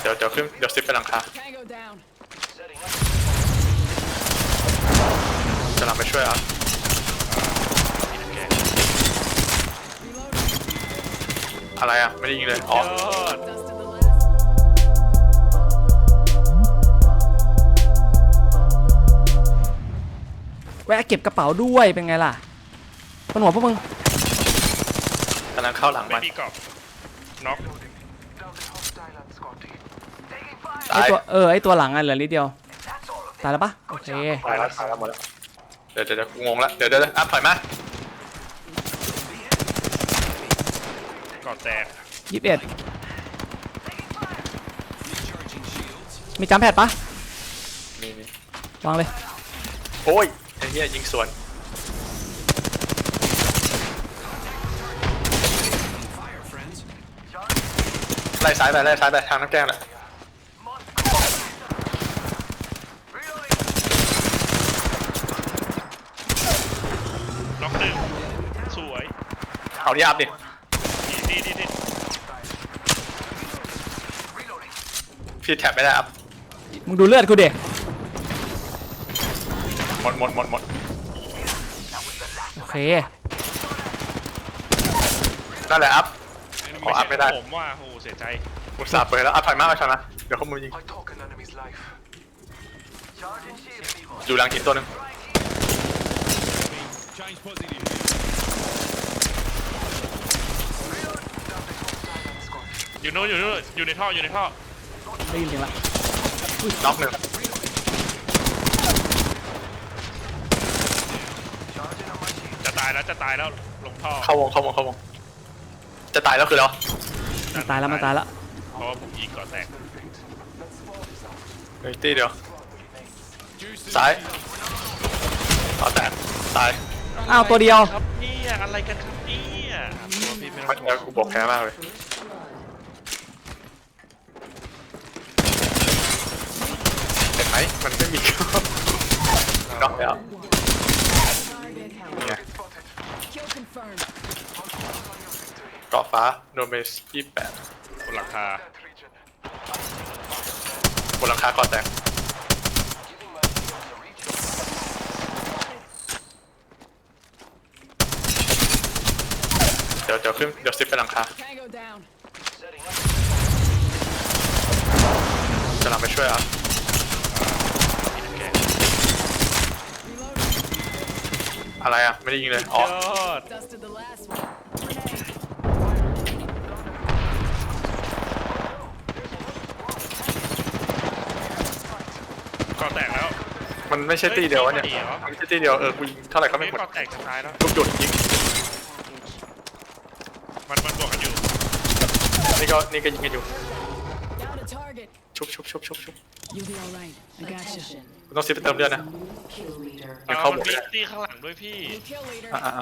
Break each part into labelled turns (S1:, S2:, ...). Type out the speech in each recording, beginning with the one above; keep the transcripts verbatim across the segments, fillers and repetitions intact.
S1: ดี๋ยวเดี๋ยวขึ้นเดี๋ยวซิปไปหลังคาจะหลังไปช่วยอ่ะอะไรอ่ะไม่ได้ยิงเลยอ๋อ
S2: แวะเก็บกระเป๋าด้วยเป็นไงล่ะบนหัวพวกมึง
S1: กำลังเข้าหลังมัน
S3: ไม่มีกรอบน็อก
S2: ไอตัวเออไอตัวหลังอ่ะเหลือนิดเดียวตายแล้วปะโอเค
S1: ตายแล้วตายแล้วหมดแล้วเดี๋ยวเดี๋ยวงงแล้วเดี๋ยวเดี๋ยวอ่ะถอยมา
S3: กรอบแตก
S2: ยี่สิบเอ็ดมีจัมป์แพดปะ
S1: มีมี
S2: วางเลย
S1: โอ้ยไอ้เหี้ยยิงสวนไล่ซ้ายไปไล่ซ้ายไปทางน้ำแกงแหละ
S3: น็อกหนึ่งสวย
S1: เอาดิอัพดิ
S3: ดีดีดี
S1: พี่แท็บไม่ได้อัพ
S2: มึงดูเลือดกูเด็ก
S1: หมดหมดหมดหมด
S2: โอเค
S1: นั่นแหละอัพขออัพไม่ได้
S3: ผมว่าโอ้เสียใจ
S1: อุตส่าห์เปิดแล้วอัพถอยมากไปถอยมาเดี๋ยวเขามือยิงอยู่หลังหินตัวนึง
S3: อยู่โน่นอยู่โน่นอยู่ในท่ออยู่ในท่อ
S2: ได้ยินเสียงละ
S1: น็อกหนึ่ง
S3: จะตายแล้วจะตายแล้วลงท่อ
S1: เข้าวงเข้าวงเข้าวงจะตายแล้วคือแล้ว
S2: มันตายแล้วมันตายแล้ว
S3: เพราะว่าผมยิงก่อนแตก
S1: เฮ้ยตีเดียวซ้ายต่อแตกตาย
S2: อ้าวตัวเดียว
S3: ครับนี่อะไรกันครับเนี่ยตัวพี่ไม่ต้อง
S1: แล้วกูบอกแพ้มากเลยเห็นไหมมันไม่มีน็อกแล้วเนี่ยเกาะฟ้าโนเมสยี่สิบแปด
S3: บนหลังคา
S1: บนหลังคาเกาะแตกเดี๋ยวเดี๋ยวขึ้นเดี๋ยวซิปไปหลังคาจะหลังไปช่วยอ่ะอะไรอ่ะไม่ได้ยิงเลยอ๋อ
S3: ก่อแตกแล้ว
S1: มันไม่ใช่ตีเดียวเนี่ยมันไม่ใช่ตีเดียวเออกูยิงเท่าไหร่ก็ไม่หมด
S3: ก่อแตกจะตายแล้ว
S1: ลูกจุดยิง
S3: มันมันบวกกันอยู่
S1: นี่ก็นี่ก็ยิงกันอยู่ชุบชุบชุบชุบชุบต้องซิปไปเติมเลือดนะ
S3: มันเข้าหมดเลยตีข้างหลังด้วยพี่
S1: อ่า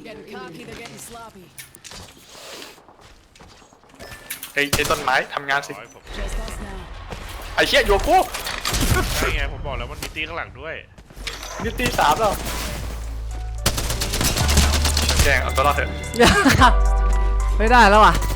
S1: ไอ้ไอ้ต้นไม้ทำงานสิไอ้เชี่ยโยกู
S3: ใช่ไงผมบอกแล้วมันมีตีข้างหลังด้วย
S1: นี่ตีสามแล้วแกงเอาตัวรอดเถอะ
S2: ไม่ได้แล้วอ่ะ